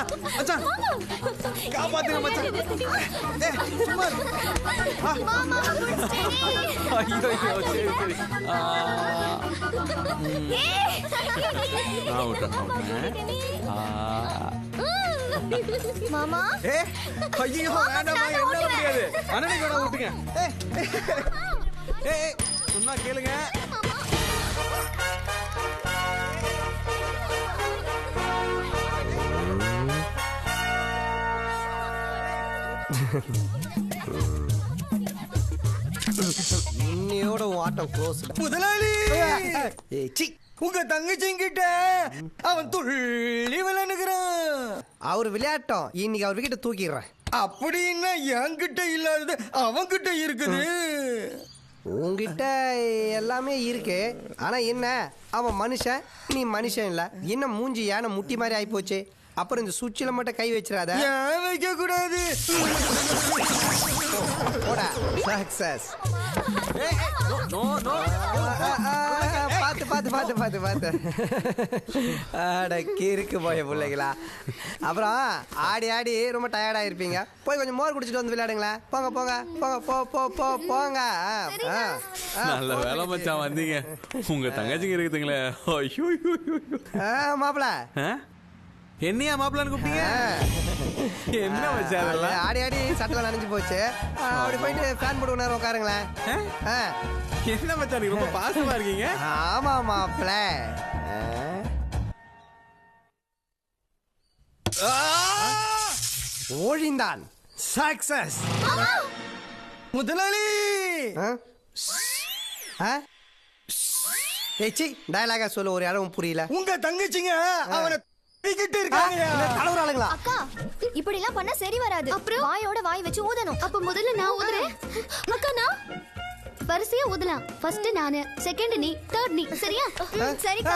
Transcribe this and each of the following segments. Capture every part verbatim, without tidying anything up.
மச்சான் மச்சான் காப்பாத்துங்க மச்சான். ஏய் சும்மா மாமா புடிச்சிட்டே. ஐயோ ஐயோ சரி சரி. ஏய் நான் விட்டேன். ஆ மாமா ஏ ஐயோ வேண்டாம்மா என்ன முடியாது. அண்ணனை கூட விட்டுங்க. ஏய் ஏய் சொன்னா கேளுங்க. இன்னையோட ஆட்டம் க்ளோஸ். முதலாளி ஏய் சி, உங்க தங்கச்சிங்கிட்ட அவன் துள்ளி விளையாடுகிறான். அவர் விளையாட்டம் இன்னைக்கு அவர் கிட்ட தூக்கிடுறேன். அப்படின்னா என்கிட்ட இல்லாதது அவன்கிட்ட இருக்குது. உங்ககிட்ட எல்லாமே இருக்கு, ஆனா என்ன அவன் மனுஷன் நீ மனுஷன் இல்ல. என்ன மூஞ்சி யானை முட்டி மாதிரி ஆயி போச்சு. அப்புறம் இந்த சுவிட்சில் மட்டும் கை வச்சிடாத. ஏன் வைக்க கூடாது? போடா சக்சஸ். பார்த்து பார்த்து பார்த்து பார்த்து பார்த்து ஆட கிறுக்கு போய பிள்ளைங்களா. அப்புறம் ஆடி ஆடி ரொம்ப டயர்டாக இருப்பீங்க. போய் கொஞ்சம் மோர் குடிச்சிட்டு வந்து விளையாடுங்களேன். போங்க போங்க போங்க போ போ போ போங்க. நல்ல வேலை மச்சான் வந்தீங்க. உங்க தங்கச்சிங்க இருக்குதுங்களே. மாப்பிள என்னையா மாப்பிள்ளான்னு கூப்பிட்டீங்க? என்ன மச்சான் அதெல்லாம்? ஆடி ஆடி சட்டெல்லாம் நனைஞ்சு போச்சு. அப்படி போயிட்டு ஃபேன் போட்டு நேரம் உட்காருங்களேன். என்ன மச்சான் நீங்க ரொம்ப பாசமா இருக்கீங்க? ஆமா மாப்பிள. ஓழிந்தான் சக்சஸ். முதலாளி ஏச்சி டயலாகா சொல்ல ஒரு இடம் புரியல. உங்க தங்கச்சிங்க அவனை இருக்காங்க. தலைவராளுங்களா? அக்கா இப்படி எல்லாம் பண்ணா சரி வராது. அப்புறம் வாயோட வாய் வச்சு ஊதணும். அப்ப முதல்ல நான் ஊதுறேன். அக்கா நான் வரிசையா ஊதலாம். ஃபர்ஸ்ட் நானு, செகண்ட் நீ, தேர்ட் நீ. சரியா? சரிக்கா.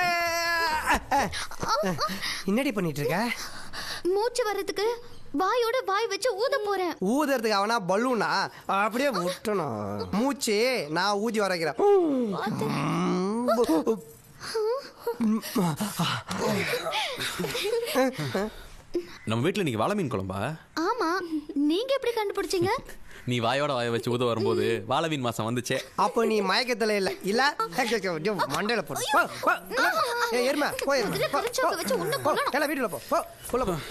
என்னடி பண்ணிட்டு இருக்க? மூச்சு வர்றதுக்கு வாயோட வாய் வச்சு ஊத போறேன். ஊதுறதுக்கு அவனா பலூனா? அப்படியே விட்டணும். மூச்சு நான் ஊதி வரைக்கிறேன். நம்ம வீட்டுல நீங்க வாழை மீன் குழம்பா? ஆமா, நீங்க எப்படி கண்டுபிடிச்சீங்க? நீ வாயோட வாய வச்சு ஊத வரும்போது வாழை மீன் மாசம் வந்துச்சே. அப்போ நீ மயக்கத்துல இல்ல இல்ல மண்டையில போடு. எருமை போய் வீட்டுல போ போ உள்ள போ.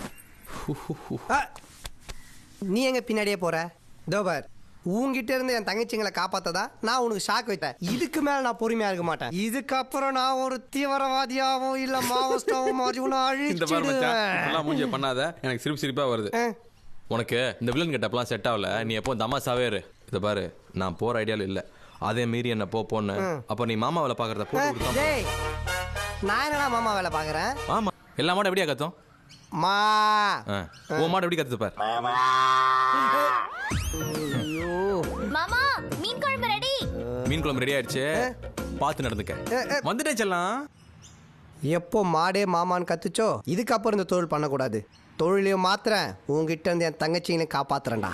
நீ எங்க பின்னாடியே போற? தோபர் உங்ககிட்ட இருந்து என் தங்கச்சிங்களை காப்பாத்ததா நான் உனக்கு ஷாக் வைத்தேன். இதுக்கு மேல நான் பொறுமையா இருக்க மாட்டேன். இதுக்கப்புறம் நான் ஒரு தீவிரவாதியாவோ இல்ல மாவோஸ்டாவோ மாறி உன்னை இந்த மாதிரி மச்சான் அழிச்சிடுவேன். எல்லாம் மூஞ்சிய பண்ணாத. எனக்கு சிரிப்பு சிரிப்பா வருது. உனக்கு இந்த வில்லன் கெட்டப்லாம் செட் ஆகல. நீ எப்போ தமாசாவே இரு. இதை பாரு, நான் போற ஐடியால இல்ல. அதே மீறி என்ன போ போன்னு அப்ப நீ மாமா வேலை பாக்குறத போட்டு. டேய் நான் என்னடா மாமா வேலை பாக்குறேன்? மாமா எல்லா மாடும் எப்படியா கத்தும்? மா ஓ மாடு எப்படி கத்து பாரு. மாமா மீன் குழம்பு ரெடி. மீன் குழம்பு ரெடி ஆயிடுச்சு. பார்த்து நடந்துக்க. வந்துட்டே செல்லாம். எப்போ மாடே மாமான்னு கத்துச்சோ இதுக்கப்புறம் இந்த தொழில் பண்ணக்கூடாது. தொழிலையும் மாத்திரேன். உங்ககிட்ட இருந்து என் தங்கச்சிங்களை காப்பாத்துறேன்டா.